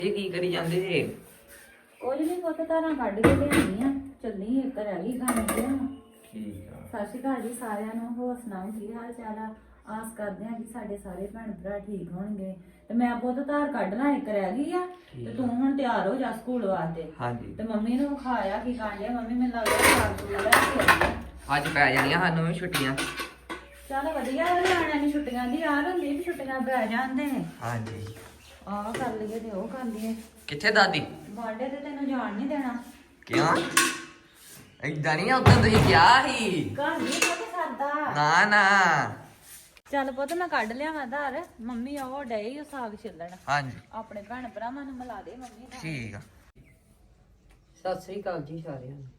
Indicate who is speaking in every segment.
Speaker 1: ਇਹ ਕੀ ਕਰੀ ਜਾਂਦੇ ਜੇ?
Speaker 2: ਕੁਝ ਨਹੀਂ ਪੁੱਤ ਧਾਰਾਂ ਕੱਢ ਕੇ ਲਿਆਉਣੀ ਆ। ਚੱਲੀ ਇੱਕ ਰਹਿ ਗਈ ਖਾਣ ਦੀ।
Speaker 1: ਠੀਕ ਆ।
Speaker 2: ਸਤਿ ਸ਼੍ਰੀ ਅਕਾਲ ਜੀ ਸਾਰਿਆਂ ਨੂੰ। ਹੋਰ ਸੁਣਾਓ ਕੀ ਹਾਲ ਚਾਲ ਆ? ਆਸ ਕਰਦੇ ਆ ਕਿ ਸਾਡੇ ਸਾਰੇ ਭੈਣ ਭਰਾ ਠੀਕ ਹੋਣਗੇ। ਤੇ ਮੈਂ ਪੁੱਤ ਧਾਰ ਕੱਢ ਲਾਂ, ਇੱਕ ਰਹਿ ਗਈ ਆ। ਤੇ ਤੂੰ ਹੁਣ ਤਿਆਰ ਹੋ ਜਾ ਸਕੂਲ ਵਾਸਤੇ।
Speaker 1: ਹਾਂਜੀ।
Speaker 2: ਤੇ ਮੰਮੀ ਨੂੰ ਖਾਇਆ ਕੀ ਖਾਂਦੇ? ਮੰਮੀ ਮੈਨੂੰ ਲੱਗਦਾ ਸਾਗ ਸੂਗ ਲੈ ਕੇ ਆਈ ਆ।
Speaker 1: ਅੱਜ ਪੈ ਜਾਣੀਆਂ ਸਾਨੂੰ ਵੀ ਛੁੱਟੀਆਂ।
Speaker 2: ਚੱਲ ਵਧੀਆ ਨਿਆਣਿਆਂ ਦੀ ਛੁੱਟੀਆਂ ਦੀ ਯਾਰ ਹੁੰਦੀ ਵੀ ਛੁੱਟੀਆਂ ਪੈ ਜਾਂਦੇ।
Speaker 1: ਹਾਂਜੀ।
Speaker 2: ਆਹ ਕਰ ਲਈਏ ਤੇ ਉਹ ਕਰ ਲਈਏ।
Speaker 1: ਕਿੱਥੇ ਦਾਦੀ?
Speaker 2: ਬਾਡੇ ਤੇ ਤੈਨੂੰ ਜਾਣ ਨਹੀਂ ਦੇਣਾ।
Speaker 1: ਕਿਉਂ? ਏਦਾਂ ਨਹੀਂ, ਉਦੋਂ ਤੁਸੀਂ ਕਿਹਾ ਸੀ।
Speaker 2: ਘਰ ਨਹੀਂ ਪੁੱਤ ਸਰਦਾ।
Speaker 1: ਨਾ ਨਾ।
Speaker 2: ਚੱਲ ਪੁੱਤ ਮੈਂ ਕੱਢ ਲਿਆ ਮੈਂ ਧਾਰ। ਮੰਮੀ ਉਹ ਡਈ ਉਹ ਸਾਗ ਛਿੱਲਣ।
Speaker 1: ਹਾਂਜੀ।
Speaker 2: ਆਪਣੇ ਭੈਣ ਭਰਾਵਾਂ ਨੂੰ ਮਿਲਾ ਦੇ ਮੰਮੀ ਨਾਲ।
Speaker 1: ਠੀਕ ਆ।
Speaker 3: ਸਤਿ ਸ੍ਰੀ ਅਕਾਲ ਜੀ ਸਾਰਿਆਂ ਨੂੰ।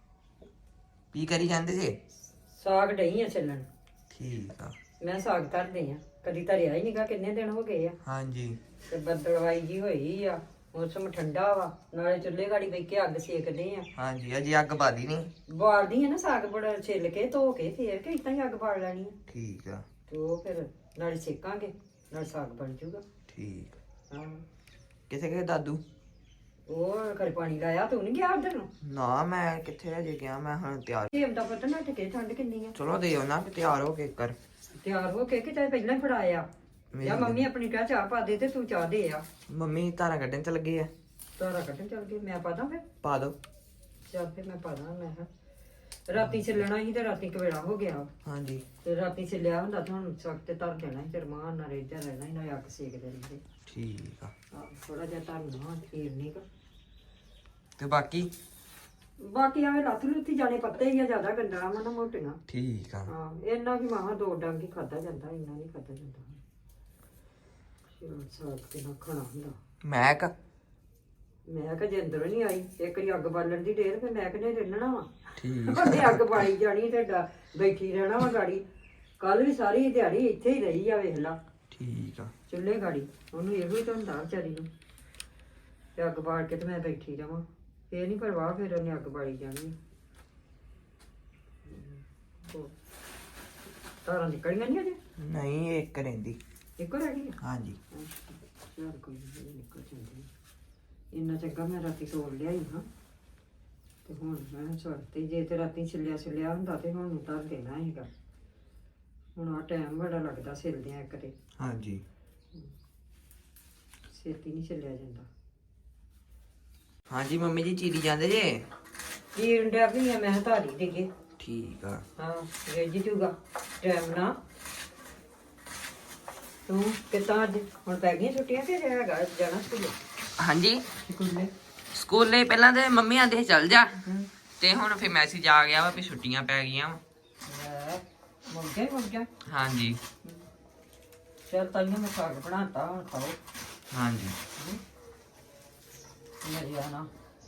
Speaker 1: ਕੀ ਕਰੀ ਜਾਂਦੇ ਜੇ?
Speaker 3: ਸਾਗ ਡਈ ਆ ਚੱਲਣ।
Speaker 1: ਠੀਕ ਆ।
Speaker 3: ਮੈਂ ਸਾਗ ਧਰਦੇ ਆ, ਕਦੀ ਧਰਿਆ ਹੀ ਨਹੀਂਗਾ, ਕਿੰਨੇ ਦਿਨ ਹੋ ਗਏ ਆ।
Speaker 1: ਹਾਂਜੀ।
Speaker 3: ਤੇ ਬੱਦਲਵਾਈ ਜੀ ਹੋਈ ਆ, ਮੌਸਮ ਠੰਡਾ ਵਾ, ਨਾਲੇ ਚੁੱਲ੍ਹੇ ਗਾੜੀ ਬੈ ਕੇ ਅੱਗ ਸੇਕਦੇ ਆ।
Speaker 1: ਹਾਂਜੀ, ਅਜੇ ਅੱਗ ਬਾਦੀ ਨਹੀਂ।
Speaker 3: ਬਾਲਦੀ ਆ ਨਾ ਸਾਗ ਬੜਾ ਛਿੱਲ ਕੇ ਧੋ ਕੇ ਫੇਰ ਕਿ ਇਦਾਂ ਹੀ ਅੱਗ ਬਾਲ ਲੈਣੀ ਆ।
Speaker 1: ਠੀਕ ਆ।
Speaker 3: ਤੇ ਉਹ ਫਿਰ ਨਾਲੇ ਸੇਕਾਂਗੇ ਨਾਲ ਸਾਗ ਬਣ ਜੂਗਾ।
Speaker 1: ਠੀਕ।
Speaker 3: ਹਾਂ।
Speaker 1: ਕਿੱਥੇ ਗਏ ਦਾਦੂ?
Speaker 3: ਉਹ ਘਰੇ ਪਾਣੀ ਲਾਇਆ, ਤੂੰ ਨਹੀਂ ਗਿਆ ਉਧਰ ਨੂੰ?
Speaker 1: ਨਾ, ਮੈਂ ਕਿੱਥੇ ਅਜੇ ਗਿਆ, ਮੈਂ ਹੁਣ ਤਿਆਰ।
Speaker 3: ਸੇਬ ਦਾ ਪਤਾ ਨਾ ਟਕੇ ਠੰਡ ਕਿੰਨੀ ਆ।
Speaker 1: ਚਲੋ ਦੇ ਨਾ ਕਿ ਤਿਆਰ ਹੋ ਕੇ ਕਰ।
Speaker 3: ਤਿਆਰ ਹੋ ਕੇ ਕਿਤੇ ਪਹਿਲਾਂ ਹੀ ਫੜਾਇਆ ਜਾਂ ਮੰਮੀ ਆਪਣੀ ਕਹਿ ਚਾਹ ਪਾ ਦੇ ਤੇ ਤੂੰ ਚਾਹ ਦੇ ਆ।
Speaker 1: ਮੰਮੀ ਧਾਰਾਂ ਕੱਢਣ ਚ ਲੱਗੇ ਆ।
Speaker 3: ਤਾਰਾ ਕੱਢਣ ਚੱਲ ਗਏ, ਮੈਂ ਪਾਦਾ ਫਿਰ।
Speaker 1: ਪਾ ਦੋ।
Speaker 3: ਚੱਲ ਫਿਰ ਮੈਂ ਪਾਦਾ। ਮੈਂ ਕਿਹਾ ਰਾਤੀ ਛਿੱਲਣਾ ਸੀ ਤੇ ਰਾਤੀ ਕਵੇੜਾ ਹੋ ਗਿਆ।
Speaker 1: ਹਾਂਜੀ।
Speaker 3: ਤੇ ਰਾਤੀ ਛਿੱਲਿਆ ਹੁੰਦਾ ਤਾਂ ਹੁਣ ਸਖਤ ਤੇ ਧਰ ਦੇਣਾ ਸੀ ਤੇ ਰਮਾਨ ਨਾਲ ਰੇਜਾ ਰਹਿਣਾ ਸੀ, ਨਾ ਅੱਗ ਸੇਕਦੇ ਰਹਿੰਦੇ।
Speaker 1: ਠੀਕ ਆ।
Speaker 3: ਥੋੜਾ ਜਿਹਾ ਧਰਨਾ ਫੇਰ ਨਹੀਂ ਗਾ।
Speaker 1: ਤੇ ਬਾਕੀ
Speaker 3: ਆਵੇ ਲੱਥ ਲੁੱਥੀ ਜਾਣੇ ਪੱਤੇ ਹੀ ਆ, ਜ਼ਿਆਦਾ ਗੰਡਣਾ ਵਾ ਨਾ ਮੋਟੀਆਂ।
Speaker 1: ਠੀਕ ਆ।
Speaker 3: ਹਾਂ, ਇੰਨਾ ਕੀ ਮਾਹਾਂ ਦੋ ਡੰਗ ਹੀ ਖਾਦਾ ਜਾਂਦਾ, ਇੰਨਾ ਨਹੀਂ ਖਾਦਾ ਜਾਂਦਾ। ਚਲੋ ਸਾਗ ਤੇ ਨਾ ਖਾਣਾ ਹੁੰਦਾ।
Speaker 1: ਮੈਂ
Speaker 3: ਕਿਹਾ ਜੇ ਅੰਦਰੋਂ ਨਹੀਂ ਆਈ ਇੱਕ ਵਾਰੀ ਅੱਗ ਬਾਲਣ ਦੀ ਢੇਰ, ਫਿਰ ਮੈਂ ਕਿਹਨੇ ਰਹਿਣਾ ਵਾ।
Speaker 1: ਠੀਕ।
Speaker 3: ਉਹਨੇ ਅੱਗ ਬਾਲੀ ਜਾਣੀ ਤੇ ਬੈਠੀ ਰਹਿਣਾ ਵਾ ਗਾੜੀ। ਕੱਲ ਵੀ ਸਾਰੀ ਦਿਹਾੜੀ ਇੱਥੇ ਹੀ ਰਹੀ ਆ, ਵੇਖ ਲਾ।
Speaker 1: ਠੀਕ ਆ।
Speaker 3: ਚੁੱਲ੍ਹੇ ਗਾੜੀ ਉਹਨੂੰ ਇਹੋ ਹੀ ਤਾਂ ਹੁੰਦਾ ਵਿਚਾਰੀ ਨੂੰ। ਤੇ ਅੱਗ ਬਾਲ ਕੇ ਤੇ ਮੈਂ ਬੈਠੀ ਰਵਾਂ, ਫੇਰ ਨਹੀਂ ਪਰਵਾਹ, ਫਿਰ ਉਹਨੇ ਅੱਗ ਬਾਲੀ ਜਾਣੀ। ਤਾਰਾਂ ਨਿਕਲੀਆਂ ਨਹੀਂ ਅਜੇ? ਨਹੀਂ,
Speaker 1: ਇੱਕ ਰਹਿੰਦੀ।
Speaker 3: ਇੱਕੋ ਰਹਿ ਗਈ ਆ?
Speaker 1: ਹਾਂਜੀ।
Speaker 3: ਚਲ ਕੋਈ ਨਹੀਂ, ਨਿਕਲ ਜਾਂਦੀ। ਇੰਨਾ ਚੰਗਾ ਮੈਂ ਰਾਤੀ ਤੋੜ ਲਿਆਈ ਹਾਂ। ਤੇ ਹੁਣ ਮੈਂ ਛੱਡਤੀ, ਜੇ ਤੇ ਰਾਤੀ ਛਿੱਲਿਆ ਹੁੰਦਾ ਤੇ ਹੁਣ ਧਰ ਦੇਣਾ ਹੈਗਾ। ਹੁਣ ਆ ਟਾਈਮ ਬੜਾ ਲੱਗਦਾ ਛਿੱਲਦਿਆਂ ਇੱਕ ਤੇ।
Speaker 1: ਹਾਂਜੀ।
Speaker 3: ਛੇਤੀ ਨਹੀਂ ਛਿੱਲਿਆ ਜਾਂਦਾ।
Speaker 1: ਹਾਂਜੀ ਮੰਮੀ ਜੀ, ਚੀਰੀ ਜਾਂਦੇ ਜੇ?
Speaker 3: ਚੀਰਨ ਡਿਆ ਵੀ ਆ, ਮੈਂ ਧਾਰੀ ਦੇਗੇ।
Speaker 1: ਠੀਕ ਆ।
Speaker 3: ਹਾਂ, ਰੇਜ ਜੂਗਾ ਟਾਈਮ ਨਾ। ਤੂੰ ਕਿੱਦਾਂ ਅੱਜ ਹੁਣ ਪੈ ਗਈਆਂ ਛੁੱਟੀਆਂ ਤੇ ਹੈਗਾ ਜਾਣਾ ਸਕੂਲੇ?
Speaker 1: ਹਾਂਜੀ।
Speaker 3: ਸਕੂਲੇ
Speaker 1: ਪਹਿਲਾਂ ਤੇ ਮੰਮੀ ਆਂਦੇ ਸੀ ਚੱਲ ਜਾ, ਤੇ ਹੁਣ ਫਿਰ ਮੈਸੇਜ ਆ ਗਿਆ ਵਾ ਵੀ ਛੁੱਟੀਆਂ ਪੈ ਗਈਆਂ ਵਾ।
Speaker 3: ਮੁੱਕ ਗਿਆ।
Speaker 1: ਹਾਂਜੀ।
Speaker 3: ਚਲ ਤਾਈਆਂ ਮੈਂ ਸਾਗ ਬਣਾਤਾ, ਹੁਣ ਖਾਓ।
Speaker 1: ਹਾਂਜੀ।
Speaker 3: ਮੇਰੇ ਆਣਾ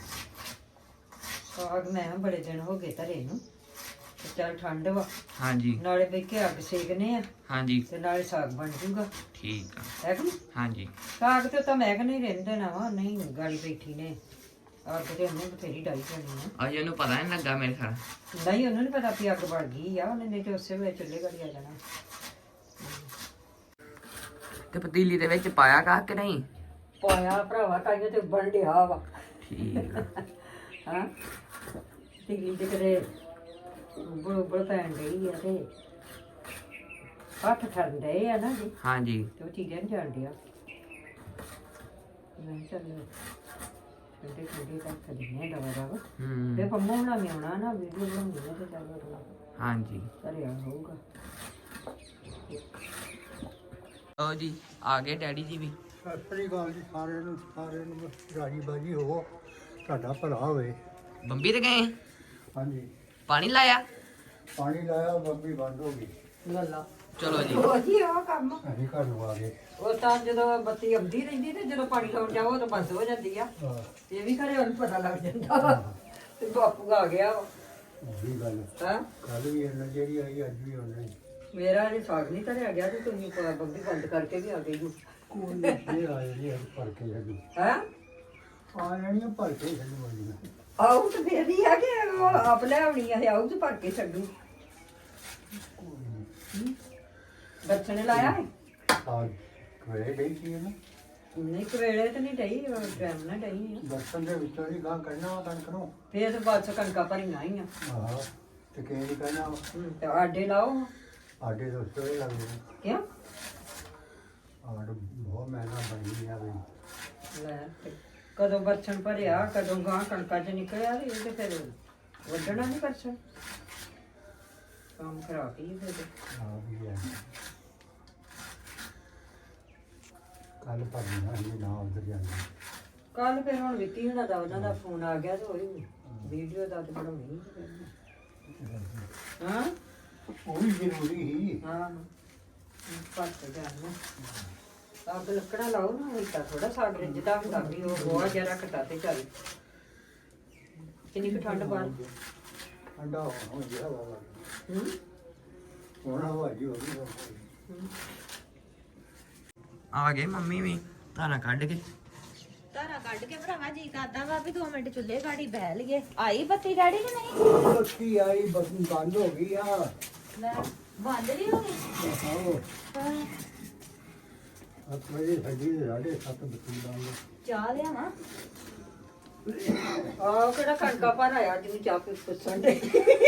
Speaker 3: ਸਾਗ ਮੈਂ ਬੜੇ ਦਿਨ ਹੋ ਗਏ ਧਰੇ ਨੂੰ। ਤੇ ਚੱਲ ਠੰਡ ਵਾ,
Speaker 1: ਹਾਂਜੀ।
Speaker 3: ਨਾਲੇ ਬੈ ਕੇ ਅੱਗ ਸੇਕਨੇ ਆ
Speaker 1: ਹਾਂਜੀ।
Speaker 3: ਤੇ ਨਾਲੇ ਸਾਗ ਬਣ ਜੂਗਾ।
Speaker 1: ਠੀਕ ਆ।
Speaker 3: ਹੈ ਕਿ
Speaker 1: ਹਾਂਜੀ।
Speaker 3: ਸਾਗ ਤੇ ਤਾਂ ਮੈਂ ਕਿ ਨਹੀਂ ਰਹਿੰਦੇ ਨਾ ਵਾ, ਨਹੀਂ ਗਾੜੀ ਬੈਠੀ ਨੇ ਅੱਗ ਤੇ ਉਹਨੇ ਬਥੇਰੀ ਡਾਈ ਜਾਣੀ ਆ।
Speaker 1: ਅਜੇ ਉਹਨੂੰ ਪਤਾ ਨਹੀਂ ਲੱਗਾ ਮੇਰੇ ਖਿਆਲ।
Speaker 3: ਨਹੀਂ, ਉਹਨੂੰ ਨੀ ਪਤਾ ਵੀ ਅੱਗ ਬਣ ਗਈ ਆ, ਉਹਨੇ ਨਹੀਂ ਤੇ ਉਸੇ ਵੇਲੇ ਚੁੱਲ੍ਹੇ ਗਾੜੀ ਆ ਜਾਣਾ।
Speaker 1: ਤੇ ਪਤੀਲੀ ਦੇ ਵਿੱਚ ਪਾਇਆ ਕਾ ਕਿ ਨਹੀਂ?
Speaker 3: ਪਾਇਆ ਭਰਾਵਾ, ਤਾਈਆਂ ਤੇ ਬਣ ਡਿਆ ਵਾ।
Speaker 1: ਠੀਕ ਆ।
Speaker 3: ਹਾਂ, ਤੀਲੀ ਤੇ ਕਦੇ ਬੜ ਪੈਣ ਡਈ ਆ ਤੇ ਹੱਥ ਠਰਨ ਡਏ ਆ ਨਾ ਜੀ,
Speaker 1: ਹਾਂਜੀ।
Speaker 3: ਤੇ ਉਹ ਚੀਜ਼ਾਂ ਨੀ ਜਾਣ ਡਿਆ। ਮੈਂ ਚੱਲ ਠੰਡੇ ਕਰਕੇ ਦਿੰਦੇ ਆ ਦਵਾ ਤੇ ਪੰਮੋ ਹੁਣਾਂ ਵੀ ਆਉਣਾ ਨਾ, ਵੀਡੀਓ ਬਣਾਉਣੀ ਆ ਤੇ ਚੱਲ ਅਗਲਾ
Speaker 1: ਹਾਂਜੀ
Speaker 3: ਧਰਿਆ ਹੋਊਗਾ।
Speaker 1: ਓ ਜੀ ਆ ਗਏ ਡੈਡੀ ਜੀ ਵੀ।
Speaker 4: ਸਤਿ ਸ੍ਰੀ ਅਕਾਲ ਜੀ ਸਾਰਿਆਂ ਨੂੰ ਰਾਜੀ ਬਾਜੀ ਹੋਵੋ, ਤੁਹਾਡਾ ਭਲਾ ਹੋਵੇ।
Speaker 1: ਬੰਬੀ ਤੇ ਗਏ?
Speaker 4: ਹਾਂਜੀ,
Speaker 1: ਪਾਣੀ ਲਾਇਆ?
Speaker 4: ਪਾਣੀ ਲਾਇਆ, ਬੰਬੀ ਬੰਦ ਹੋ ਗਈ।
Speaker 3: ਗੱਲਾਂ
Speaker 1: ਚਲੋ ਜੀ।
Speaker 3: ਉਹ ਜੀ ਉਹ ਕੰਮ
Speaker 4: ਅਸੀਂ ਘਰ ਨੂੰ ਆ ਗਏ।
Speaker 3: ਉਹ ਤਾਂ ਜਦੋਂ ਬੱਤੀ ਆਉਂਦੀ ਰਹਿੰਦੀ ਤੇ ਜਦੋਂ ਪਾਣੀ ਲਾਉਣ ਜਾਓ ਤਾਂ ਬੰਦ ਹੋ ਜਾਂਦੀ ਆ।
Speaker 4: ਹਾਂ,
Speaker 3: ਇਹ ਵੀ ਘਰੇ ਉਹਨੂੰ ਪਤਾ ਲੱਗ ਜਾਂਦਾ ਤੇ ਬਾਪੂ ਆ ਗਿਆ
Speaker 4: ਉਹੀ ਗੱਲ।
Speaker 3: ਹਾਂ,
Speaker 4: ਕੱਲ ਵੀ ਇਹਨਾਂ ਜਿਹੜੀ ਆਈ, ਅੱਜ ਵੀ ਉਹਨਾਂ ਹੀ।
Speaker 3: ਮੇਰਾ ਅਜੇ ਸਾਗ ਨਹੀਂ ਧਰਿਆ ਗਿਆ ਤੇ ਤੁਸੀਂ ਬੰਬੀ ਬੰਦ ਕਰਕੇ ਵੀ ਆ ਗਏ ਜੀ।
Speaker 4: ਕੋਈ ਇਹ ਆਏ ਜੀ, ਅੱਜ ਭਰ ਕੇ ਛੱਡੂ।
Speaker 3: ਹੈ
Speaker 4: ਆ ਜਾਣੀਆਂ ਭਰ ਕੇ ਛੱਡੂ ਵਾਲੀਆਂ।
Speaker 3: ਆਉ ਤੇ ਫੇਰ ਹੀ ਆ ਕਿ ਉਹ ਆਪ ਲੈ ਆਉਣੀ ਆ, ਆਉ ਤੇ ਭਰ ਕੇ ਛੱਡੂ। ਬੱਚੇ ਨੇ ਲਾਇਆ ਹੈ
Speaker 4: ਆ ਕਰੇ ਗਈ ਸੀ ਨਾ।
Speaker 3: ਨਹੀਂ ਕਵੇਲੇ ਤੇ ਨਹੀਂ ਡਈ ਟਾਈਮ ਨਾਲ ਡਈ ਆ
Speaker 4: ਬਰਤਨ ਦੇ ਵਿੱਚੋਂ ਹੀ ਗਾਂ ਕੱਢਣਾ ਵਾ ਕਣਕ ਨੂੰ।
Speaker 3: ਫੇਰ ਤੇ ਬਾਅਦ ਚ ਕਣਕਾਂ ਭਰੀਆਂ ਹੀ ਆ
Speaker 4: ਆਹੋ ਤੇ ਕਿਹੜੀ ਕਹਿਣਾ
Speaker 3: ਤੇ ਆਡੇ ਲਾਓ
Speaker 4: ਆਡੇ ਦੋਸਤੋ ਇਹ ਲੱਗਦੇ ਨੇ।
Speaker 3: ਕਿਉਂ
Speaker 4: ਆਡ ਬਹੁਤ ਮਹਿੰਗਾ ਬਣੀ ਆ ਬਈ।
Speaker 3: ਲੈ ਤੇ ਕਦੋਂ ਬਰਛਣ ਭਰਿਆ ਕਦੋਂ ਗਾਂ ਕਣਕਾਂ ਚ ਨਿਕਲਿਆ ਤੇ ਇਹ ਤੇ ਫਿਰ ਵੱਢਣਾ ਨਹੀਂ ਬਰਛਣ ਕੰਮ ਖਰਾਬ ਹੀ ਫਿਰ
Speaker 4: ਆ ਵੀ ਹੈ ਕੱਲ ਭਰਨਾ ਇਹ ਨਾ ਉਧਰ ਜਾਂਦੇ।
Speaker 3: ਕੱਲ ਫਿਰ ਹੁਣ ਵਿੱਕੀ ਹੁਣਾਂ ਦਾ ਉਹਨਾਂ ਦਾ ਫੋਨ ਆ ਗਿਆ ਤੇ ਉਹੀ ਵੀਡੀਓ ਦਾ ਤੇ ਬਣਾਉਣੀ ਹਾਂ
Speaker 4: ਉਹ ਵੀ ਜ਼ਰੂਰੀ ਹੀ।
Speaker 3: ਹਾਂ ਪੱਟ ਜਾਣਾ ਅੱਗ ਲੱਕੜਾ ਲਾਓ ਨਾ ਉਹ ਤਾਂ ਥੋੜਾ ਸਾਗ ਰਿੱਝਦਾ ਹੁੰਦਾ ਵੀ ਉਹ ਬਹੁਤ ਜ਼ਿਆਦਾ ਘਟਾ ਤੇ ਚੱਲ ਕਿੰਨੀ ਕੁ ਠੰਡ ਬਾਹਰ
Speaker 4: ਠੰਡਾ ਹੋ ਗਿਆ ਵਾ
Speaker 3: ਹੂੰ
Speaker 4: ਹੋਣਾ ਹੋ ਜੀ ਹੋ ਗਈ।
Speaker 1: ਆ ਗਏ ਮੰਮੀ ਵੀ ਧਾਰਾਂ ਕੱਢ ਕੇ।
Speaker 2: ਧਾਰਾ ਕੱਢ ਕੇ ਭਰਾਵਾ ਜੀ ਕਰਦਾ ਵਾ ਵੀ 2 ਮਿੰਟ ਚੁੱਲ੍ਹੇ ਗਾੜੀ ਬਹਿ ਲਈਏ। ਆਈ ਬੱਤੀ ਡੈਡੀ ਕਿ ਨਹੀਂ?
Speaker 4: ਬੱਤੀ ਆਈ ਬਸ ਬੰਦ ਹੋ ਗਈ ਆ।
Speaker 2: ਲੈ ਬੰਦ ਨਹੀਂ ਹੋ ਗਈ।
Speaker 4: ਆਹੋ
Speaker 2: ਹਾਂ,
Speaker 4: ਆਪਣੇ ਸਾਡੀ 7:30 ਬੱਤੀ ਬੰਦ।
Speaker 2: ਚਾਹ ਲਿਆਵਾਂ?
Speaker 3: ਆਹ ਕਿਹੜਾ ਕਣਕਾਂ ਭਰ ਆਇਆ ਜਿਹਨੂੰ ਚਾਹ ਪੀ ਪੁੱਛਣ ਦੇ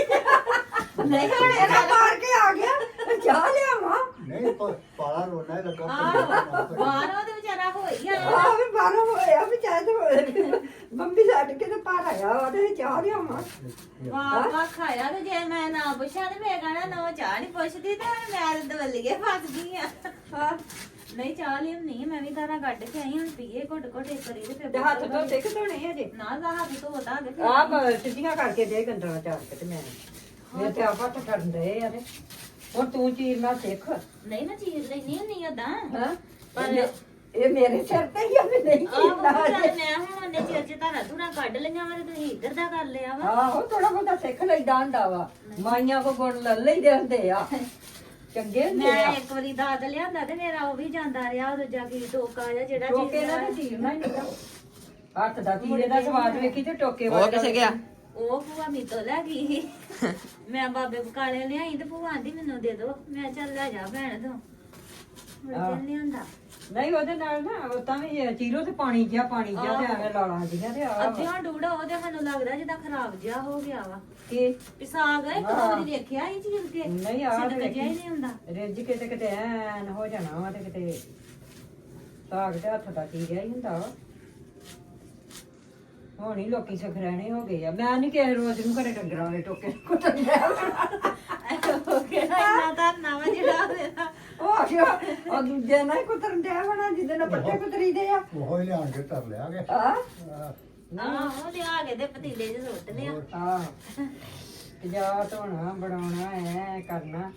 Speaker 2: ਨਹੀਂ ਹੁਣ
Speaker 3: ਇਹਦਾ ਮਾਰ ਕੇ ਆ ਗਿਆ ਚਾਹ ਲਿਆਵਾਂ
Speaker 4: ਨਹੀਂ ਪਾਲਾ ਰੋਣਾ ਹੀ ਲੱਗਾ
Speaker 2: ਬਾਹਰੋਂ ਤੇ ਵਿਚਾਰਾ ਹੋਈ ਆ।
Speaker 3: ਆਹ ਵੀ ਬਾਹਰੋਂ ਹੋਇਆ ਵੀ ਚਾਹ ਤੇ ਬੰਬੀ ਛੱਡ ਕੇ ਤੇ ਭਰ ਆਇਆ ਉਹਦੇ ਚਾਹ ਲਿਆਵਾਂ
Speaker 2: ਵਾਹ ਵਾਹ ਖਾਇਆ ਤੇ ਜੇ ਮੈਂ ਨਾ ਪੁੱਛਾਂ ਤੇ ਮੈਂ ਕਹਣਾ ਨਾ ਚਾਹ ਨਹੀਂ ਪੁੱਛਦੀ ਤੇ ਹੁਣ ਮੈਂ ਦਵੱਲੀਏ ਫਸ ਗਈ ਆ। ਹਾਂ ਨਹੀਂ ਚਾਹ ਲਿਆਉਣੀ ਮੈਂ ਵੀ ਧਾਰਾਂ ਕੱਢ ਕੇ ਆਈ ਹੁਣ ਪੀਏ ਘੁੱਟ ਘੁੱਟ ਇੱਕ ਵਾਰੀ ਤੇ ਫਿਰ
Speaker 3: ਤੇ ਹੱਥ ਧੋਤੇ ਕਿ ਧੋਣੇ ਅਜੇ
Speaker 2: ਨਾ ਦਾ ਹੱਥ ਧੋਤਾ ਦੇ ਫਿਰ
Speaker 3: ਆਹ ਸਿੱਧੀਆਂ ਕਰਕੇ ਦੇ ਗੰਦਲਾ ਚਾਰ ਕੇ ਤੇ ਮੈਂ ਮੇਰੇ ਤੇ ਆਪਾਂ ਤਾਂ ਠੰਡ ਦੇ ਆ ਤੇ ਹੁਣ ਤੂੰ ਚੀਰਨਾ ਸਿੱਖ
Speaker 2: ਨਹੀਂ ਨਾ ਚੀਜ਼ ਲੈਣੀ ਨਹੀਂ ਓਦਾਂ
Speaker 3: ਹਾਂ
Speaker 2: ਪਰ
Speaker 3: ਇਹ ਮੇਰੇ ਸਿਰ ਤੇ ਹੀ ਆ ਵੀ ਨਹੀਂ ਚੀਰਨਾ
Speaker 2: ਆਹੋ
Speaker 3: ਅਜੇ।
Speaker 2: ਮੈਂ ਹੁਣ ਉਹਨੇ ਚਿਰ ਚ ਧਾਰਾਂ ਧੁਰਾਂ ਕੱਢ ਲਈਆਂ ਵਾ ਤੇ ਤੁਸੀਂ ਇੱਧਰ ਦਾ ਕਰ ਲਿਆ ਵਾ।
Speaker 3: ਆਹੋ ਥੋੜਾ ਬਹੁਤਾ ਸਿੱਖ ਲਈਦਾ ਹੁੰਦਾ ਵਾ ਮਾਈਆਂ ਕੋ ਗੁਣ ਲੈ ਲਈਦੇ ਹੁੰਦੇ ਆ ਚੰਗੇ ਹੁੰਦੇ
Speaker 2: ਮੈਂ
Speaker 3: ਆ
Speaker 2: ਇੱਕ ਵਾਰੀ ਦਾਦ ਲਿਆਂਦਾ ਤੇ ਮੇਰਾ ਉਹ ਵੀ ਜਾਂਦਾ ਰਿਹਾ ਉਹ ਦੂਜਾ ਕੀ ਟੋਕਾ ਜਿਹਾ ਜਿਹੜਾ
Speaker 3: ਟੋਕੇ ਦਾ ਤੇ ਚੀਰਨਾ ਹੀ ਨਹੀਂ ਹੱਥ ਦਾ ਤੀਰੇ ਦਾ ਸਵਾਦ ਵੇਖੀ ਤੇ ਟੋਕੇ
Speaker 1: ਉਹ
Speaker 3: ਵਾਲਾ
Speaker 1: ਕਿੱਥੇ ਗਿਆ?
Speaker 2: ਉਹ ਭੂਆ ਮੀਤੋਂ ਲੈ ਗਈ ਸੀ। ਮੈਂ ਬਾਬੇ ਬਕਾਲੇ ਲਿਆਈ ਤੇ ਭੂਆ ਆਂਦੀ ਮੈਨੂੰ ਦੇ ਦੋ ਮੈਂ ਚੱਲ ਲੈ ਜਾ ਭੈਣ ਤੋਂ
Speaker 3: ਆਹ।
Speaker 2: ਮੁੜ ਲਿਆਂਦਾ
Speaker 3: ਨਹੀਂ ਉਹਦੇ ਨਾਲ ਨਾ ਉਹ ਤਾਂ ਵੀ ਚੀਰੋ ਤੇ ਪਾਣੀ ਜਿਹਾ ਤੇ ਐਵੇਂ ਲਾਲਾਂ ਜੀਆਂ ਤੇ ਆ
Speaker 2: ਅੱਧਿਆਂ ਡੂੜਾ ਉਹਦੇ ਸਾਨੂੰ ਲੱਗਦਾ ਜਿੱਦਾਂ ਖਰਾਬ ਜਿਹਾ ਹੋ ਗਿਆ ਵਾ
Speaker 3: ਕੀ
Speaker 2: ਪਿਸਾਗ ਇੱਕ ਦੋ ਵਾਰੀ ਦੇਖਿਆ ਇਹ ਚੀਰ ਕੇ
Speaker 3: ਨਹੀਂ ਆ
Speaker 2: ਸਿੱਧਕ ਜਿਹਾ ਹੀ ਨਹੀਂ ਹੁੰਦਾ।
Speaker 3: ਰਿੱਝ ਕੇ ਤੇ ਕਿਤੇ ਐਨ ਹੋ ਜਾਣਾ ਵਾ ਤੇ ਕਿਤੇ ਸਾਗ ਤੇ ਹੱਥ ਦਾ ਚੀਰਿਆ ਹੀ ਹੁੰਦਾ ਵਾ ਹੁਣ ਹੀ ਲੋਕੀ ਸਖਰਾਣੇ ਹੋ ਗਏ ਆ ਮੈਂ ਨਹੀਂ ਕਿਸੇ ਰੋਜ਼ ਨੂੰ ਘਰੇ ਡੰਗਰਾਂ ਵਾਲੇ ਟੋਕੇ ਕੁੱਟਣਿਆ
Speaker 2: ਉਹ ਕਿਹੜਾ ਇੰਨਾ ਧਰਨਾ ਵਾ ਜਿਹੜਾ ਉਹਦਾ
Speaker 3: ਉਹ ਆ ਗਿਆ ਉਹ ਦੂਜੇ ਨਾਲ ਹੀ ਕੁੱਤਰਨ ਡਿਆ ਬਣਾ ਜਿਹਦੇ ਨਾਲ ਪੱਟੇ ਕੁੱਤਰੀ ਦੇ ਆ
Speaker 4: ਉਹ ਹੀ ਲਿਆਣ ਕੇ ਧਰ ਲਿਆ ਗਿਆ।
Speaker 3: ਹਾਂ
Speaker 2: ਆਹੋ ਲਿਆ ਕੇ ਦੇ ਪਤੀਲੇ 'ਚ ਸੁੱਟ ਲਿਆ।
Speaker 3: ਆਹ ਜਾ ਧੋਣਾ ਬਣਾਉਣਾ ਐ ਕਰਨਾ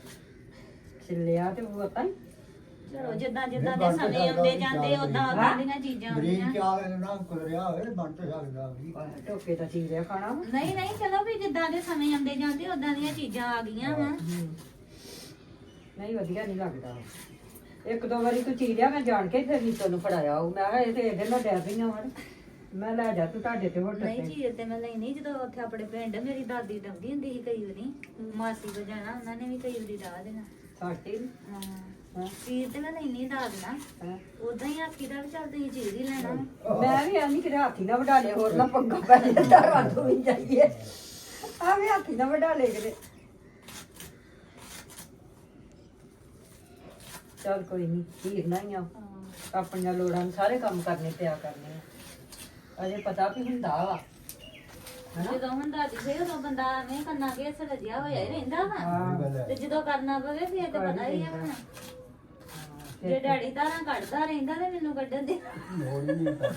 Speaker 3: ਛਿੱਲਿਆ ਤੇ ਉਹ ਪਤਾ ਨੀ
Speaker 2: ਚਲੋ ਜਿੱਦਾਂ ਜਿੱਦਾਂ ਦੇ ਸਮੇਂ ਆਉਂਦੇ ਜਾਂਦੇ ਉਦਾਂ ਉਦਾਂ ਦੀਆਂ ਚੀਜ਼ਾਂ
Speaker 4: ਬਰੀਕ
Speaker 2: ਆਉਂਦੀਆਂ।
Speaker 4: ਚਾਲ ਨਾ ਕੁਦਰਿਆ ਹੋਵੇ ਬਣ ਤੇ ਸਕਦਾ ਵੀ।
Speaker 3: ਟੋਕੇ ਤਾਂ ਚੀਰਿਆ ਖਾਣਾ ਵਾ।
Speaker 2: ਨਹੀਂ ਨਹੀਂ ਚਲੋ ਵੀ ਜਿੱਦਾਂ ਦੇ ਸਮੇਂ ਆਉਂਦੇ ਜਾਂਦੇ ਉਦਾਂ ਦੀਆਂ ਚੀਜ਼ਾਂ ਆ ਗਈਆਂ ਵਾ।
Speaker 3: ਨਹੀਂ ਵਧੀਆ ਨਹੀਂ ਲੱਗਦਾ ਇੱਕ ਦੋ ਵਾਰੀ ਤੂੰ ਚੀਰਿਆ ਮੈਂ ਜਾਣ ਕੇ ਫਿਰ ਨੀਤੋ ਨੂੰ ਫੜਾਇਆ ਉਹ ਮੈਂ ਕਿਹਾ ਇਹ ਤੇ ਇਹਦੇ ਨਾਲ ਡਰ ਰਹੀਆਂ ਵੜ ਮੈਂ ਲੈ ਜਾ ਤੂੰ ਤੁਹਾਡੇ ਤੇ ਹੋਟਲ
Speaker 2: ਨਹੀਂ
Speaker 3: ਤੇ
Speaker 2: ਚੀਰ ਤੇ ਮੈਂ ਲੈਣੀ ਜਦੋਂ ਉੱਥੇ ਆਪਣੇ ਪਿੰਡ ਮੇਰੀ ਦਾਦੀ ਡੰਦੀ ਹੁੰਦੀ ਸੀ ਕਈ ਵਾਰੀ ਮਾਸੀ ਕੋ ਜਾਣਾ ਉਹਨਾਂ ਨੇ ਵੀ ਕਈ ਵਾਰੀ ਡਾਹ ਦੇਣਾ।
Speaker 3: ਸਾਡੀ
Speaker 2: ਹਾਂ
Speaker 3: ਹਾਂ
Speaker 2: ਚੀਰ ਤੇ ਮੈਂ ਲੈਣੀ ਦਾਦ ਨਾ
Speaker 3: ਹਾਂ।
Speaker 2: ਉਦਾਂ ਹੀ ਆਖੀ ਦਾ ਵੀ ਚੱਲ ਤੁਸੀਂ ਚੀਰ ਹੀ ਲੈਣਾ
Speaker 3: ਮੈਂ ਵੀ ਆਨੀ ਕਿਤੇ ਹਾਥੀ ਨਾ ਵਡਾ ਲਿਆ ਹੋਰ ਨਾ ਪੰਗਾ ਪੈ ਜਾਂਦਾ ਰਾਤ ਹੋਈ ਜਾਈਏ ਆ ਵੀ ਹਾਥੀ ਨਾ ਵਡਾ ਲੈ ਕਿਤੇ ਚੱਲ ਕੋਈ ਨਹੀਂ ਹੀਰਨਾ ਹੀ ਆ ਆਪਣੀਆਂ ਲੋੜਾਂ ਨੂੰ ਸਾਰੇ ਕੰਮ ਕਰਨੇ ਪਿਆ ਕਰਨੇ ਆ ਅਜੇ ਪਤਾ ਵੀ ਹੁੰਦਾ ਵਾ
Speaker 2: ਜਦੋਂ ਹੁਣ ਦਾਦੀ ਸੇ ਉਦੋਂ ਬੰਦਾ ਐਵੇਂ ਕੰਨਾਂ ਕੇ ਸੜਿਆ ਹੋਇਆ ਹੀ ਰਹਿੰਦਾ ਵਾ
Speaker 3: ਹਾਂ
Speaker 2: ਤੇ ਜਦੋਂ ਕਰਨਾ ਪਵੇ ਫਿਰ ਤੇ ਪਤਾ ਹੀ ਆ ਹੁਣ ਜੇ ਡੈਡੀ ਧਾਰਾਂ ਕੱਢਦਾ ਰਹਿੰਦਾ ਤੇ ਮੈਨੂੰ ਕੱਢਣ ਦੇ
Speaker 4: ਲੋੜ ਹੀ ਨਹੀਂ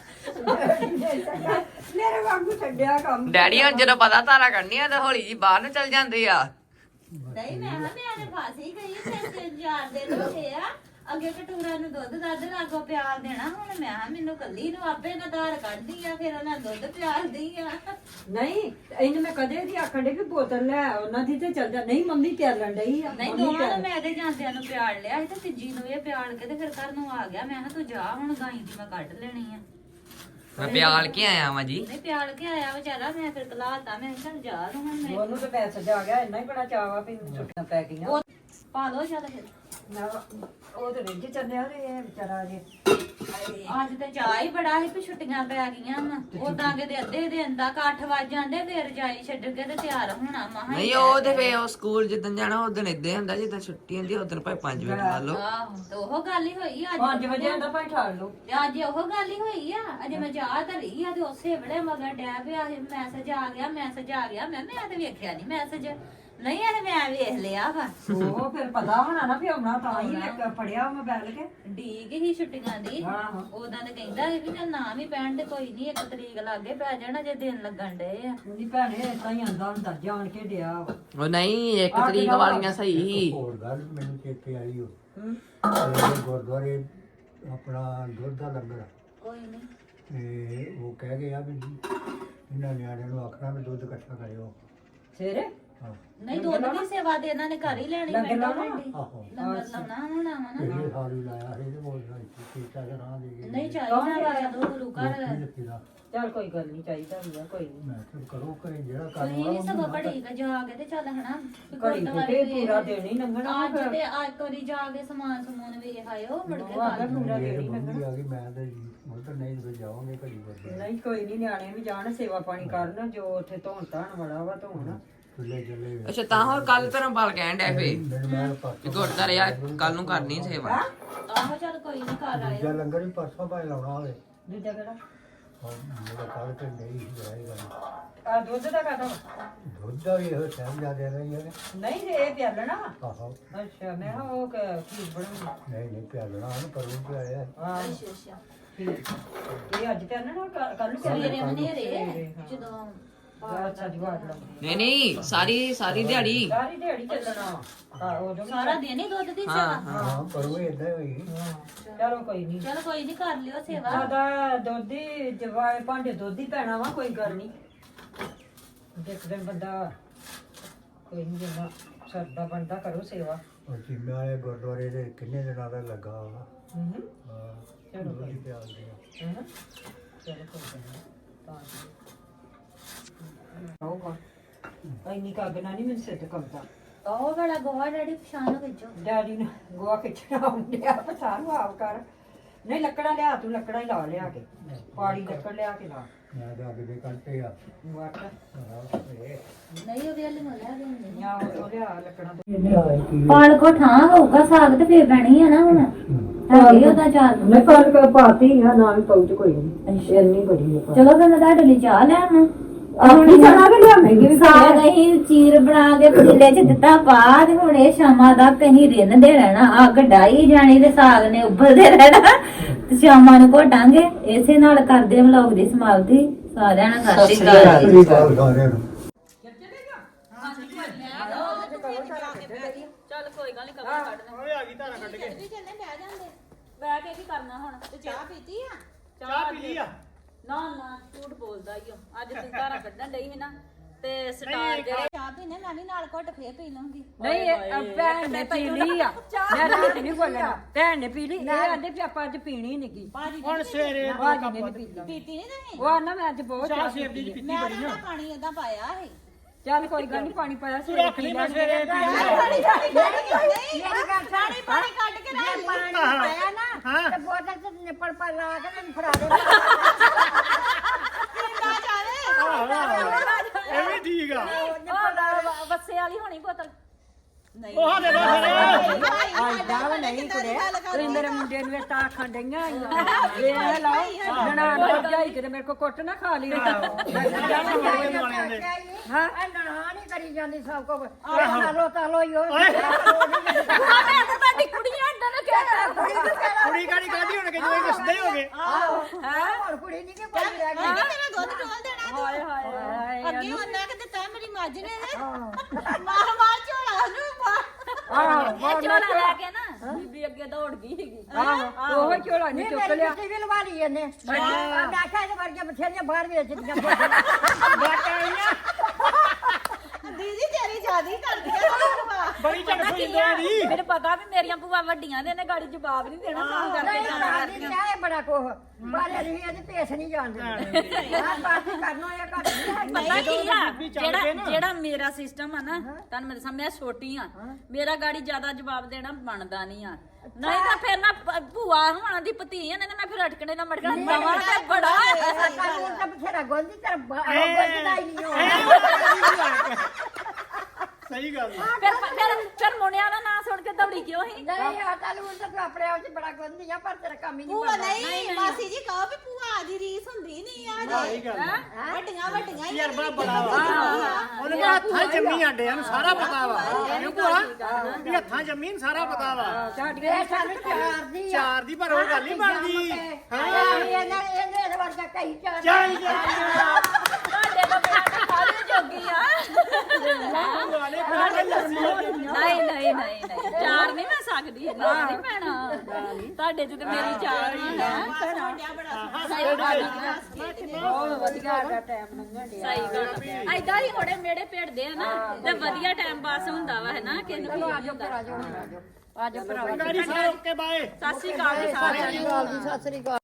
Speaker 3: ਮੇਰੇ ਵਾਂਗੂ ਛੱਡਿਆ ਕੰਮ
Speaker 1: ਡੈਡੀ ਹੁਣ ਜਦੋਂ ਪਤਾ ਧਾਰਾਂ ਕੱਢਣੀਆਂ ਤਾਂ ਹੌਲੀ ਜੀ ਬਾਹਰ ਨੂੰ ਚੱਲ ਜਾਂਦੇ ਆ।
Speaker 2: ਨਹੀਂ ਮੈਂ ਤੇ ਫਸ ਹੀ ਗਈ ਤੇ 4 ਦਿਨ ਹੋ ਗਏ ਆ ਅੱਗੇ ਕਟੂਰਾ ਨੂੰ ਦੁੱਧ ਲਾਗੋ ਪਿਆਲ ਦੇਣਾ ਹੁਣ ਮੈਂ ਮੈਨੂੰ ਕੱਲੀ ਨੂੰ ਆਪੇ ਨਾ ਧਾਰ ਕੱਢਦੀ ਆ ਫਿਰ ਉਹਨਾਂ ਦੁੱਧ ਪਿਆਲਦੀ ਆ।
Speaker 3: ਨਹੀਂ ਇਹਨੂੰ ਮੈਂ ਕਦੇ ਦੀ ਆਖਣ ਦੇ ਕਿ ਬੋਤਲ ਲੈ ਆ, ਉਹਨਾਂ ਦੀ ਤੇ ਚੱਲ ਜਾ ਨਹੀਂ ਮੰਮੀ ਪਿਆਲਣ ਡਈ ਆ
Speaker 2: ਨਹੀਂ
Speaker 3: ਮੰਮੀ
Speaker 2: ਦੋਵਾਂ ਨੂੰ
Speaker 3: ਪਿਆਲ-
Speaker 2: ਮੈਂ ਇਹਦੇ ਜਾਂਦਿਆਂ ਨੂੰ ਪਿਆਲ ਲਿਆ ਸੀ ਤੇ ਤੀਜੀ ਨੂੰ ਇਹ ਪਿਆਲ ਕੇ ਤੇ ਫਿਰ ਘਰ ਨੂੰ ਆ ਗਿਆ ਮੈਂ ਕਿਹਾ ਤੂੰ ਜਾ ਹੁਣ ਗਾਈ ਦੀ ਮੈਂ ਕੱਢ ਲੈਣੀ ਆ।
Speaker 1: ਮੈਂ ਪਿਆਲ ਕੇ ਆਇਆ ਵਾਂ ਜੀ।
Speaker 2: ਨਹੀਂ ਪਿਆਲ ਕੇ ਆਇਆ ਵਿਚਾਰਾ ਮੈਂ ਫਿਰ ਕਲਾਤਾ ਮੈਂ ਕਿਹਾ ਚੱਲ ਜਾ ਤੂੰ ਹੁਣ ਮੈਂ
Speaker 3: ਉਹਨੂੰ ਤਾਂ ਪੈਸਾ ਜਾ ਗਿਆ ਇੰਨਾ ਹੀ ਬੜਾ ਚਾਵਾ ਵੀ ਛੁੱਟੀਆਂ ਪੈ ਗਈਆਂ
Speaker 2: ਉਹ ਪਾ ਲੋ ਚੱਲ ਫਿਰ
Speaker 3: ਉਹ ਤੇ ਰਿੱਝ ਚੱਲਿਆ ਤੇ ਇਹ ਵਿਚਾਰਾ ਜੇ
Speaker 2: ਅੱਜ ਤੇ ਚਾਹ ਹੀ ਬੜਾ ਸੀ ਵੀ ਛੁੱਟੀਆਂ ਪੈ ਗਈਆਂ ਵਾ ਉਦਾਂ ਕਿਤੇ ਅੱਧੇ ਦਿਨ ਤੱਕ 8 ਵਜ ਜਾਂਦੇ ਫਿਰ ਜਾਈ ਛੱਡ ਕੇ ਤੇ ਤਿਆਰ ਹੋਣਾ ਮਹਾ
Speaker 1: ਨਹੀਂ ਉਹ ਤੇ ਫੇ ਉਹ ਸਕੂਲ ਜਿੱਦਣ ਜਾਣਾ ਉਦੋਂ ਏਦਾਂ ਹੁੰਦਾ ਜਿੱਦਾਂ ਛੁੱਟੀ ਹੁੰਦੀ ਉਦੋਂ ਭਾਵੇਂ 5 ਵਜੇ ਲਾ ਲਓ
Speaker 2: ਆਹੋ ਤੇ ਉਹ ਗੱਲ ਹੀ ਹੋਈ ਅੱਜ
Speaker 3: 5 ਵਜੇ ਆਂਦਾ ਭਾਈ ਠਾਲ ਲਓ
Speaker 2: ਤੇ ਅੱਜ ਉਹ ਗੱਲ ਹੀ ਹੋਈ ਆ ਅਜੇ ਮੈਂ ਚਾਹ ਧਰੀ ਆ ਤੇ ਉਸੇ ਵੇਲੇ ਮਗਰ ਡੈ ਪਿਆ ਮੈਸੇਜ ਆ ਗਿਆ ਮੈਂ ਤੇ ਵੇਖਿਆ ਨਹੀਂ ਮੈਸੇਜ ਨਹੀਂ ਇਹ ਮੈਂ ਵੇਖ ਲਿਆ ਵਾ
Speaker 3: ਉਹ ਫਿਰ ਪਤਾ ਹੋਣਾ ਨਾ ਵੀ ਆਉਣਾ ਤਾਂ ਹੀ ਲੈ ਫੜਿਆ ਮੋਬਾਈਲ ਕੇ
Speaker 2: ਡੀਕ ਹੀ ਛੁੱਟੀਆਂ ਦੀ
Speaker 3: ਆਹੋ।
Speaker 2: ਉਦਾਂ ਤੇ ਕਹਿੰਦਾ ਸੀ ਵੀ ਚੱਲ ਨਾਮ ਹੀ ਪੈਣ ਤੇ ਕੋਈ ਨਹੀਂ 1 ਤਰੀਕ ਲਾਗੇ ਪੈ ਜਾਣਾ ਜੇ ਦਿਨ ਲੱਗਣ ਡਏ ਆ
Speaker 3: ਉਹਦੀ ਭੈਣੇ ਏਦਾਂ ਹੀ ਆਂਦਾ ਹੁੰਦਾ ਜਾਣ ਕੇ ਡਿਆ ਵਾ।
Speaker 1: ਉਹ ਨਹੀਂ 1 ਤਰੀਕ ਵਾਲੀਆਂ ਸਹੀ ਸੀ
Speaker 4: ਹੋਰ ਗੱਲ ਮੈਨੂੰ ਚੇਤੇ ਆਈ ਉਹ
Speaker 3: ਹੂੰ।
Speaker 4: ਇਹ ਗੁਰਦੁਆਰੇ ਆਪਣਾ ਦੁੱਧ ਦਾ ਲੰਗਰ
Speaker 2: ਕੋਈ ਨਹੀਂ
Speaker 4: ਤੇ ਉਹ ਕਹਿ ਗਏ ਆ ਵੀ ਇਹਨਾਂ ਨਿਆਣਿਆਂ ਨੂੰ ਆਖਣਾ ਵੀ ਦੁੱਧ ਇਕੱਠਾ ਕਰਿਓ
Speaker 3: ਸਵੇਰੇ
Speaker 4: ਹਾਂ
Speaker 2: ਨਹੀਂ ਦੁੱਧ ਦੀ ਸੇਵਾ ਤੇ ਇਹਨਾਂ ਨੇ ਘਰ ਹੀ ਲੈਣੀ
Speaker 3: ਲੰਗਰ
Speaker 2: ਪੈਂਦਾ
Speaker 3: ਲਾਉਣਾ?
Speaker 2: ਭੈਣ ਜੀ।
Speaker 4: ਆਹੋ
Speaker 2: ਲੰਗਰ ਲਾਉਣਾ ਹੋਣਾ ਵਾ ਨਾ
Speaker 4: ਇਹ ਸਾਲ ਹੀ ਲਾਇਆ ਸੀ ਤੇ ਬੋਲਦਾ ਸੀ ਕੀਤਾ ਕਿ ਰਾਹ ਦੇ ਗਏ
Speaker 2: ਨਹੀਂ ਚਾਹੀਦਾ ਵਾ ਜਦੋਂ ਗੁਰੂ ਘਰ
Speaker 3: ਚੱਲ ਕੋਈ ਗੱਲ ਨਹੀਂ ਚਾਹੀਦਾ ਹੁੰਦਾ ਕੋਈ ਨਹੀਂ
Speaker 4: ਮੈਂ ਕਿਹਾ ਕਰੋ ਕਰੇ ਜਿਹੜਾ
Speaker 2: ਤੁਸੀਂ
Speaker 4: ਕੰਮ
Speaker 2: ਵੀ ਸਗੋਂ ਬੜੀ ਕ ਜਾ ਕੇ ਤੇ ਚੱਲ ਹਨਾ ਵੀ
Speaker 3: ਘੜੀ
Speaker 2: ਗੁਰਦੁਆਰੇ
Speaker 3: ਕਿਤੇ ਪੂਰਾ ਦਿਨ ਹੀ ਲੰਘਣਾ
Speaker 2: ਅੱਜ ਤੇ ਅੱਜ ਤੋਰੀ ਜਾ ਕੇ ਸਮਾਨ ਸਮੂਨ ਵੇਖ ਆਇਓ ਮੁੜ ਕੇ
Speaker 3: ਉਹ ਆਖਦਾ
Speaker 2: ਕੱਲ੍ਹ
Speaker 3: ਪੂਰਾ
Speaker 4: ਇਹ
Speaker 3: ਦਿਨ ਹੀ ਲੰਘਣਾ
Speaker 4: ਬੰਦੀ ਆ ਗਈ ਮੈਂ ਤੇ ਮਤਲਬ ਨਹੀਂ ਤੇ ਜਾਵਾਂਗੇ ਘੜੀ ਬੱਦੇ
Speaker 3: ਨਹੀਂ ਕੋਈ ਨਹੀਂ ਨਿਆਣੇ ਵੀ ਜਾਣ ਸੇਵਾ ਪਾਣੀ ਕਰਨ ਜੋ ਉੱਥੇ ਧੋਣ ਧਾਣ ਵਾਲਾ ਵਾ ਧੋਣ
Speaker 4: ਚੁੱਲੇ ਚੱਲੇ
Speaker 1: ਅੱਛਾ ਤਾਂ ਹੋਰ ਕੱਲ ਤੇਰਾ ਬਲ ਕਹਿਣ ਡੈ ਫੇ
Speaker 4: ਮੈਨੂੰ ਮੈਂ
Speaker 1: ਕਿ
Speaker 4: ਪਰਸੋਂ
Speaker 1: ਗੁਰਦਾਰੇ ਆ ਕੱਲ ਨੂੰ ਕਰਨੀ ਸੇਵਾ
Speaker 2: ਆਹੋ ਚੱਲ ਕੋਈ ਨਹੀਂ ਘਰ ਆਇਓ
Speaker 4: ਦੂਜਾ ਲੰਗਰ ਵੀ ਪਰਸੋਂ ਭਾਈ ਲਾਉਣਾ ਹੋਵੇ
Speaker 3: ਦੂਜਾ ਕਿਹੜਾ
Speaker 4: ਮੇਰਾ ਕੱਲ ਤੇ ਨਹੀਂ ਜਾਏਗਾ
Speaker 3: ਆ ਦੁੱਧ ਦਾ ਕਾਹਦਾ
Speaker 4: ਦੁੱਧ ਦਾ ਵੀ ਇਹੋ ਟਾਈਮ ਜ਼ਿਆਦਾ ਰਹੀ ਹੈ
Speaker 3: ਨਹੀਂ ਜੇ ਇਹ ਪਿਆਲਣਾ ਵਾ
Speaker 4: ਆਹੋ
Speaker 3: ਅੱਛਾ ਮੈਂ ਕਿਹਾ ਉਹ ਖੀਰ ਬਣਾਉਣੀ
Speaker 4: ਨਹੀਂ ਪਿਆਲਣਾ ਉਹਨੂੰ ਪਰੋਂ ਤੇ ਆਇਆ
Speaker 3: ਹਾਂ
Speaker 2: ਅੱਛਾ ਅੱਛਾ
Speaker 3: ਠੀਕ ਇਹ ਅੱਜ ਪਿਆਲਣਾ ਕੱਲ ਨੂੰ
Speaker 2: ਸਵੇਰੇ
Speaker 3: ਪਿਆਲਣਾ
Speaker 2: ਮਨੇਰੇ ਜਦੋਂ
Speaker 3: ਅੱਛਾ ਜਵਾਬ ਲਾ
Speaker 1: ਨਹੀਂ ਨਹੀਂ ਸਾਰੀ ਦਿਹਾੜੀ
Speaker 3: ਸਾਰੀ ਦਿਹਾੜੀ ਚੱਲਣਾ ਵਾ ਹਾਂ ਉਦੋਂ ਵੀ
Speaker 2: ਸਾਰਾ ਦਿਨ ਹੀ ਦੁੱਧ ਦੀ
Speaker 1: ਹਾਂ
Speaker 2: ਸੇਵਾ
Speaker 4: ਹਾਂ ਪਰੋਂ ਇਦਾਂ ਹੀ ਹੋਈ
Speaker 3: ਹਾਂ, ਚਲੋ ਕੋਈ ਨਹੀਂ
Speaker 2: ਚਲ ਕੋਈ ਨਹੀਂ ਕਰ ਲਿਓ ਸੇਵਾ
Speaker 3: ਸਾਡਾ ਦੁੱਧ ਹੀ ਜਵਾਏ ਭਾਂਡੇ ਦੁੱਧ ਹੀ ਪੈਣਾ ਵਾ ਕੋਈ ਗੱਲ ਨਹੀਂ ਇੱਕ ਦਿਨ ਬੰਦਾ ਕੋਈ ਨਹੀਂ ਜਿੰਨਾ ਸਰਦਾ ਬਣਦਾ ਕਰੋ ਸੇਵਾ
Speaker 4: ਉਹ ਚੀਮੇ ਵਾਲੇ ਗੁਰਦੁਆਰੇ ਦੇ ਕਿੰਨੇ ਦਿਨਾਂ ਦਾ ਲੱਗਾ ਵਾ
Speaker 3: ਹੂੰ
Speaker 4: ਹਾਂ
Speaker 3: ਚਲੋ
Speaker 4: ਦੁੱਧ ਹੀ ਪਿਆਲਦੇ ਆ
Speaker 3: ਹੈਨਾ ਚਲੋ ਕੋਈ ਗੱਲ ਨਹੀਂ ਤਾਂ ਆਊਗਾ ਇੰਨੀ ਕਾਗਨਾ ਨਹੀਂ ਮੈਨੂੰ ਸਿੱਧ ਕਰਦਾ
Speaker 2: ਉਹ ਵਾਲਾ ਗੋਹਾ ਡੈਡੀ ਪਛਾਣ ਵਿੱਚੋਂ
Speaker 3: ਡੈਡੀ ਨੇ ਗੋਆ ਖਿੱਚਣਾ ਹੁੰਦਿਆ ਪਛਾਣ ਆਪ ਕਰ ਨਹੀਂ ਲੱਕੜਾਂ ਲਿਆ ਤੂੰ ਲੱਕੜਾਂ ਹੀ ਲਾ ਲਿਆ ਕੇ ਪਾੜੀ ਲੱਕੜ ਲਿਆ ਕੇ ਲਾ
Speaker 4: ਮੈਂ ਤਾਂ ਅੱਗੇ ਦੇ ਕੱਟੇ ਆ
Speaker 3: ਵਾਟ
Speaker 2: ਨਹੀਂ ਉਹਦੇ ਵਾਲੇ ਮਲਿਆ ਦੇ
Speaker 3: ਜਾਂ ਉਹ ਲਿਆ ਲੱਕੜਾਂ ਤੋਂ
Speaker 4: ਇਹਨੇ ਆਏ ਕੀ
Speaker 2: ਪਾਲ ਕੋ ਠਾਂ ਹੋਊਗਾ ਸਾਗ ਤੇ ਫੇਰ ਪੈਣੀ ਆ ਨਾ ਹੁਣ ਹੈਗੀ ਉਹਦਾ ਚਾਰ
Speaker 3: ਮੈਂ ਕੱਲ ਪਾਤੀ ਆ ਨਾ ਵੀ ਪਹੁੰਚ ਕੋਈ ਨਹੀਂ ਇੰਨੀ ਬੜੀ ਹੈ
Speaker 2: ਚਲੋ ਫਿਰ ਮੈਂ ਤੁਹਾਡੇ ਲਈ ਚਾਹ ਲੈ ਆਵਾਂ
Speaker 3: ਆਪਣੀ ਬਣਾ ਕੇ ਲਿਆਵੇਂਗੀ ਵੀ
Speaker 2: ਸਾਗ ਅਸੀਂ ਚੀਰ ਬਣਾ ਕੇ ਪਤੀਲੇ 'ਚ ਦਿੱਤਾ ਪਾ ਤੇ ਹੁਣ ਇਹ ਸ਼ਾਮਾਂ ਦਾ ਕਹੀਂ ਰਿੰਨਦੇ ਰਹਿਣਾ ਅੱਗ ਡਾਈ ਜਾਣੀ ਤੇ ਸਾਗ ਨੇ ਉੱਬਲਦੇ ਰਹਿਣਾ ਤੇ ਸ਼ਾਮਾਂ ਨੂੰ ਘੋਟਾਂਗੇ ਇਸੇ ਨਾਲ ਕਰਦੇ ਵਲੌਗ ਦੀ ਸਮਾਪਤੀ ਸਾਰਿਆਂ ਨੂੰ ਸਤਿ ਸ਼੍ਰੀ ਅਕਾਲ
Speaker 4: ਰਾਤਰੀ ਕਾਲ ਸਾਰਿਆਂ ਨੂੰ
Speaker 2: ਚੱਲ ਕੋਈ ਗੱਲ ਨਹੀਂ ਕਮਰ ਕੱਢ ਦੇ ਓਏ ਆ ਗਈ ਧਾਰਾ ਕੱਢ ਕੇ ਵੀ ਚੱਲੇ ਬਹਿ ਜਾਂਦੇ ਬਹਿ ਕੇ ਕੀ ਕਰਨਾ ਹੁਣ ਤੇ ਚਾਹ ਪੀਤੀ ਆ ਚਾਹ ਪੀ ਲਈ ਆ ਨਾ ਨਾ ਝੂਠ ਬੋਲਦਾ ਈ ਓ ਅੱਜ ਤੂੰ ਧਾਰਾ ਕੱਢਣ ਡਈ ਸੀ ਨਾ ਤੇ ਸਟਾਰ ਜਿਹੜੇ ਚਾਹ ਪੀਨੇ ਮੈਂ ਵੀ ਨਾਲ ਘੁੱਟ ਫੇਰ ਪੀ ਲਵਾਂਗੀ
Speaker 3: ਨਹੀਂ ਭੈਣ ਨੇ ਪੀ ਲਈ ਆ ਮੈਂ ਰਾਤ ਨਹੀਂ ਬੋਲਣਾ ਭੈਣ ਨੇ ਪੀ ਲਈ ਇਹ ਆਂਦੇ ਵੀ ਆਪਾਂ ਅੱਜ ਪੀਣੀ ਨਹੀਂਗੀ
Speaker 2: ਹੁਣ
Speaker 3: ਸਵੇਰੇ ਬਾਜੀ ਨੇ ਵੀ ਪੀ ਲਈ
Speaker 2: ਪੀਤੀ ਨਹੀਂ ਤੁਸੀਂ
Speaker 3: ਉਹ ਆਂਦਾ ਮੈਂ ਅੱਜ ਬਹੁਤ ਚਾਹ ਸੇਬ ਦੀ
Speaker 2: ਮੈਂ ਤਾਂ ਪਾਣੀ ਏਦਾਂ ਪਾਇਆ ਸੀ
Speaker 3: ਚੱਲ ਕੋਈ ਗੱਲ ਨਹੀਂ ਪਾਣੀ ਪਾਇਆ ਸਵੇਰੇ ਪੀ ਲੈ
Speaker 2: ਪਾਣੀ ਕੱਢ ਕੇ ਰੱਖ ਪਾਣੀ ਪਾਇਆ ਨਾ ਤੇ ਬੋਤਲ ਚ ਨਿਪਲ ਪਾ ਲਾ ਕੇ ਤੈਨੂੰ ਫੜਾ ਦੇ ਪੀਂਦਾ ਜਾਵੇ
Speaker 5: ਇਹ ਵੀ ਠੀਕ ਆ
Speaker 2: ਬੱਸੇ ਵਾਲੀ ਹੋਣੀ ਬੋਤਲ ਨਹੀਂ
Speaker 5: ਉਹ ਦੇ ਦੋ
Speaker 3: ਆਇਦਾ ਨਹੀਂ ਕੁੜੇ ਤੁਸੀਂ ਮੇਰੇ ਮੁੰਡੇ ਨੂੰ ਤਾਂ ਆਖਣ ਡਈਆਂ ਵੇਖ ਲਓ ਜਣਾ ਜਾਈ ਕਿਤੇ ਮੇਰੇ ਕੋ ਕੁੱਟ ਨਾ ਖਾ ਲਈ ਹਾਂ ਨਣਾ ਨਹੀਂ ਕਰੀ ਜਾਂਦੀ ਸਭ ਕੋ ਆਲੋ ਤਾਲੋ ਹੀ ਹੋ ਤੁਹਾਡੀ ਕੁੜੀਆਂ ਅੰਡਾ ਨਾ ਕਹਿ
Speaker 5: ਕੁੜੀ ਕਾੜੀ ਕਾਦੀ ਹੁਣ ਕਿ ਜਿਵੇਂ ਦੱਸਦੇ ਹੋਗੇ
Speaker 3: ਹੈ ਹੁਣ ਕੁੜੀ ਨਹੀਂ ਕਿ ਕੋਈ ਰਹਿ ਗਈ
Speaker 2: ਤੇਰਾ ਦੁੱਧ ਡੋਲ ਦੇਣਾ
Speaker 3: ਹਾਏ ਹਾਏ
Speaker 2: ਅੱਗੇ ਉਹਨਾਂ ਕਿ ਦਿੱਤਾ ਮੇਰੀ ਮੱਝ ਨੇ ਮਾਰ ਮਾਰ ਝੋਲਾ ਨੂੰ
Speaker 3: ਆਹ
Speaker 2: ਝੋਲਾ ਲੈ ਕੇ ਨਾ ਬੀਬੀ ਅੱਗੇ ਦੌੜ ਗਈ ਸੀਗੀ
Speaker 3: ਆਹ ਉਹ ਝੋਲਾ ਨਹੀਂ ਚੁੱਕ ਲਿਆ
Speaker 6: ਵੀ ਲਵਾ ਲਈ ਇਹਨੇ ਮੈਂ ਆਖਿਆ ਇਹਦੇ ਵਰਗੀਆਂ ਬਥੇਰੀਆਂ ਬਾਹਰ ਵੇਚਦੀਆਂ
Speaker 2: ਦੀਦੀ ਤੇਰੀ ਜਿਆਦੀ ਕਰਦੀ ਆ
Speaker 5: ਬੜੀ ਝੜ ਹੋਈ ਦੀ
Speaker 2: ਮੈਨੂੰ ਪਤਾ ਵੀ ਮੇਰੀਆਂ ਭੂਆ ਵੱਡੀਆਂ ਨੇ ਗਾੜੀ ਜਵਾਬ ਨਹੀਂ ਦੇਣਾ ਤਾਂ ਕਰਕੇ
Speaker 6: ਨਹੀਂ ਕਰਦੀ ਨਹੀਂ ਬੜਾ ਕੋਹ ਬਾਰੇ ਨਹੀਂ ਇਹਦੇ ਪੇਸ ਨਹੀਂ ਜਾਣਦੇ ਹਾਂ ਬਾਤ ਕਰਨਾ ਇਹ ਘੱਟ ਨਹੀਂ
Speaker 2: ਪਤਾ ਕੀ ਆ ਜਿਹੜਾ ਮੇਰਾ ਸਿਸਟਮ ਆ ਨਾ ਤੁਹਾਨੂੰ ਮੈਂ ਦੱਸਾਂ ਮੈਂ ਛੋਟੀ ਆ ਮੇਰਾ ਗਾੜੀ ਜ਼ਿਆਦਾ ਜਵਾਬ ਦੇਣਾ ਬਣਦਾ ਨਹੀਂ ਆ ਨਹੀਂ ਤਾਂ ਫਿਰ ਨਾ ਭੂਆ ਹੋਣਾ ਦੀ ਭਤੀ ਆ ਨਹੀਂ ਤਾਂ ਮੈਂ ਫਿਰ ਅਟਕਣੇ ਨਾ ਮੜਕਣਾ ਨਵਾਂ ਤੇ ਬੜਾ
Speaker 6: ਕਾਨੂੰਨ ਤਾਂ ਬਥੇਰਾ ਗੋਲਦੀ ਕਰ ਗੋਲਦਾ ਹੀ ਨਹੀਂ ਹੋ
Speaker 5: ਸਹੀ ਗੱਲ
Speaker 2: ਫਿਰ ਮੁੰਡਿਆਂ ਦਾ ਨਾਂ ਸੁਣ ਕੇ ਦੌੜੀ ਕਿਉਂ ਸੀ
Speaker 6: ਨਹੀਂ ਆ ਕਾਨੂੰਨ ਤਾਂ ਤੂੰ ਆਪਣੇ ਆਪ ਚ ਬੜਾ ਗੋਲਦੀ ਆ ਪਰ ਤੇਰਾ ਕੰਮ ਹੀ ਨਹੀਂ
Speaker 2: ਭੂਆ
Speaker 6: ਬਣਦਾ
Speaker 2: ਨਹੀਂ ਮਾਸੀ ਜੀ ਕਹੋ ਵੀ ਭੂਆ ਦੀ ਰੀਸ ਹੁੰਦੀ ਨਹੀਂ ਆ
Speaker 5: ਸਹੀ ਗੱਲ
Speaker 2: ਵੱਡੀਆਂ ਹੀ
Speaker 5: ਤਜਰਬਾ ਬੜਾ ਵਾ ਉਹਨੇ ਕਿਹਾ ਹੱਥਾਂ 'ਚ ਜੰਮੀ ਆਂਡਿਆਂ ਨੂੰ ਸਾਰਾ ਪਤਾ ਵਾ ਇਹ ਭੂਆ ਵੀ ਹੱਥਾਂ ਜੰਮੀ ਨੂੰ ਸਾਰਾ ਪਤਾ ਵਾ
Speaker 6: ਇਹ ਸਾਨੂੰ ਚਾਰ ਦੀ ਆ
Speaker 5: ਚਾਰ ਦੀ ਪਰ ਉਹ ਗੱਲ ਨਹੀਂ ਬਣਦੀ
Speaker 6: ਇਹਦੇ ਵਰਗਾ ਕਈ ਚਾਰ
Speaker 5: ਚੱਲ
Speaker 2: ਤੁਹਾਡੇ ਤੋਂ ਬਿਨਾਂ ਸਾਰੇ ਜੋਗੀ ਆ ਨਹੀਂ ਚਾਰ ਨਹੀਂ ਮੈਂ ਸਕਦੀ ਨਹੀਂ ਭੈਣਾ ਤੁਹਾਡੇ ਚ ਤੇ ਮੇਰੀ ਚਾਰ ਹੀ ਹੈ ਸਹੀ ਗੱਲ ਬਹੁਤ ਵਧੀਆ ਦਾ ਟਾਈਮ ਲੰਘਣ ਡਿਆ ਸਹੀ ਗੱਲ ਐਦਾਂ ਹੀ ਹੋੜੇ ਮੇੜੇ ਭੇੜਦੇ ਆ ਨਾ ਤੇ ਵਧੀਆ ਟਾਈਮ ਪਾਸ ਹੁੰਦਾ ਵਾ ਹੈ ਨਾ ਕਿੰਨੂੰ ਕੀ ਹੁੰਦਾ
Speaker 6: ਆਜੋ ਭਰਾ
Speaker 5: ਗਾੜੀ ਸਾਰੇ ਓਕੇ ਬਾਏ
Speaker 2: ਸਤਿ ਸ਼੍ਰੀ ਅਕਾਲ ਜੀ ਸਾਰਿਆਂ ਨੂੰ
Speaker 6: ਸਤਿ ਸ੍ਰੀ ਅਕਾਲ